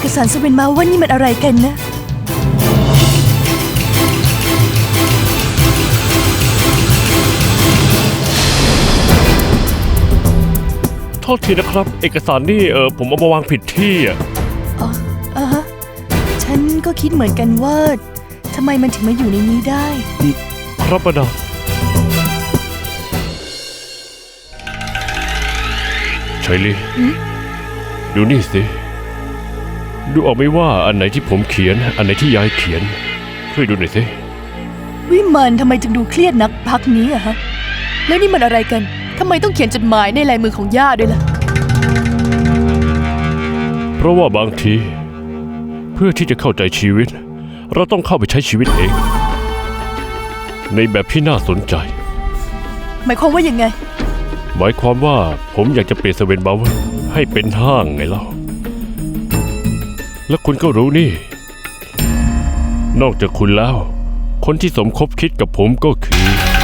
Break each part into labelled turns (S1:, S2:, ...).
S1: สารสเวนมาว่านี่มันอะไรกันนะ
S2: โทษทีนะครับเอกสารนี่ผมเอามาวางผิดที่อ่ะ
S1: ฮะฉันก็คิดเหมือนกันว่าทำไมมันถึงมาอยู่ในนี้ได้
S2: ครับมาดามชัยลีดูนี่สิดูออกไหมว่าอันไหนที่ผมเขียนอันไหนที่ยายเขียนช่วยดูหน่อยสิ
S1: วิมานทำไมจึงดูเครียดนักพักนี้อะฮะแล้วนี่มันอะไรกันทำไมต้องเขียนจดหมายในลายมือของย่าด้วยล่ะ
S2: เพราะว่าบางทีเพื่อที่จะเข้าใจชีวิตเราต้องเข้าไปใช้ชีวิตเองในแบบที่น่าสนใจ
S1: หมายความว่ายังไง
S2: หมายความว่าผมอยากจะเปลี่ยนสเวนบาวเวอร์ให้เป็นห้างไงเล่าและคุณก็รู้นี่นอกจากคุณแล้วคนที่สมคบคิดกับผมก็คือ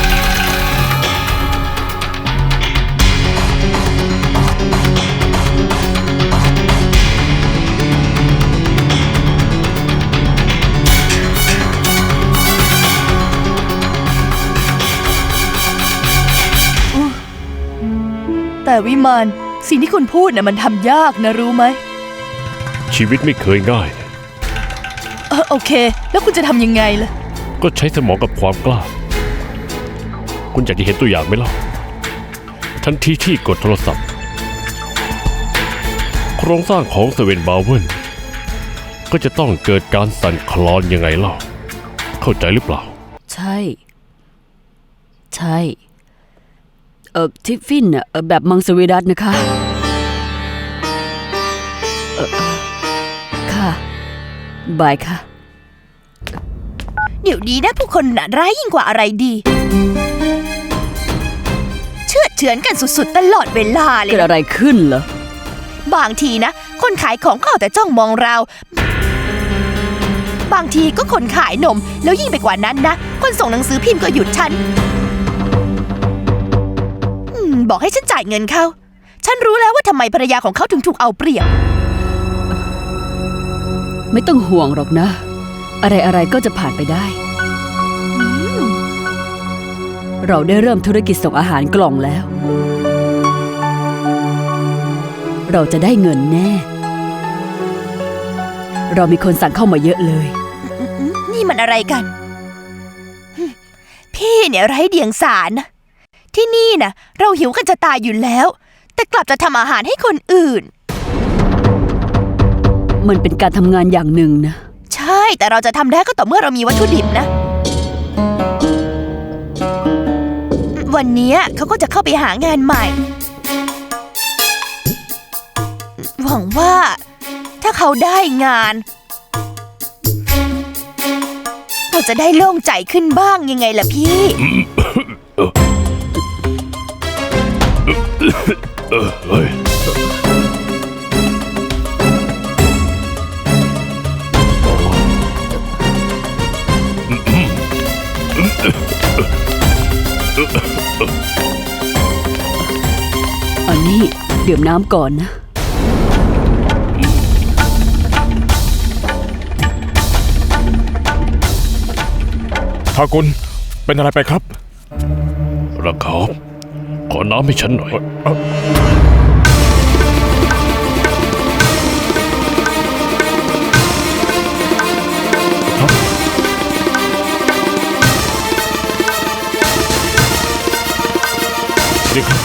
S1: แต่วิมานสิ่งที่คุณพูดน่ะมันทำยากนะรู้ไหม
S2: ชีวิตไม่เคยง่าย
S1: โอเคแล้วคุณจะทำยังไงล่ะ
S2: ก็ใช้สมองกับความกล้าคุณอยากจะเห็นตัวอย่างไหมล่ะทันทีที่กดโทรศัพท์โครงสร้างของสเวนบาวเวนก็จะต้องเกิดการสั่นคลอนยังไงล่ะเข้าใจหรือเปล่า
S3: ใช่ทิฟฟินแบบมังสวิรัตนะคะค่ะบายค่ะ
S1: เดี๋ยวนี้นะผู้คนน่ะร้ายยิ่งกว่าอะไรดีเชื่อเฉือนกันสุดๆตลอดเวลาเลย
S3: เกิดอะไรขึ้นเหรอบ
S1: างทีนะคนขายของก็เอาแต่จ้องมองเราบางทีก็คนขายนมแล้วยิ่งไปกว่านั้นนะคนส่งหนังสือพิมพ์ก็หยุดฉันบอกให้ฉันจ่ายเงินเขาฉันรู้แล้วว่าทำไมภรรยาของเขาถึงถูกเอาเปรียบ
S3: ไม่ต้องห่วงหรอกนะอะไรก็จะผ่านไปได้เราได้เริ่มธุรกิจส่งอาหารกล่องแล้วเราจะได้เงินแน่เรามีคนสั่งเข้ามาเยอะเลย
S1: นี่มันอะไรกันพี่เนี่ยไร้เดียงสานะที่นี่นะเราหิวกันจะตายอยู่แล้วแต่กลับจะทำอาหารให้คนอื่น
S3: มันเป็นการทำงานอย่างหนึ่งนะ
S1: ใช่แต่เราจะทำได้ก็ต่อเมื่อเรามีวัตถุดิบนะวันนี้เขาก็จะเข้าไปหางานใหม่หวังว่าถ้าเขาได้งานเราจะได้โล่งใจขึ้นบ้างยังไงล่ะพี่
S3: อันนี้ดื่มน้ำก่อนนะ
S4: ทากุลเป็นอะไรไปครับ
S2: ระคอบขอน้ำให้ฉันหน่อย
S4: นี่ครับ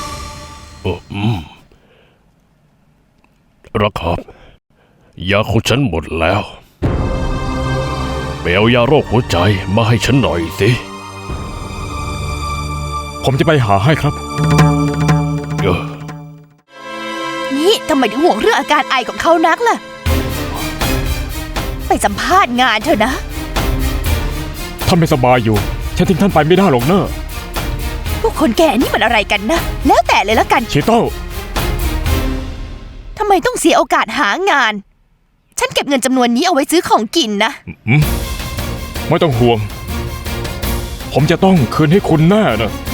S2: ระคอบยาของฉันหมดแล้วไปเอายาโรคหัวใจมาให้ฉันหน่อยสิ
S4: ผมจะไปหาให้ครับ
S1: นี่ทำไมถึงห่วงเรื่องอาการไอของเขานักล่ะไปสัมภาษณ์งานเถอะนะ
S4: ท่านไม่สบายอยู่ฉันทิ้งท่านไปไม่ได้หรอกเนอะ
S1: พวกคนแก่นี่มันอะไรกันนะแล้วแต่เลยละกัน
S4: ชิโต้
S1: ทำไมต้องเสียโอกาสหางานฉันเก็บเงินจำนวนนี้เอาไว้ซื้อของกินนะ
S4: ไม่ต้องห่วงผมจะต้องคืนให้คุณแน่นะ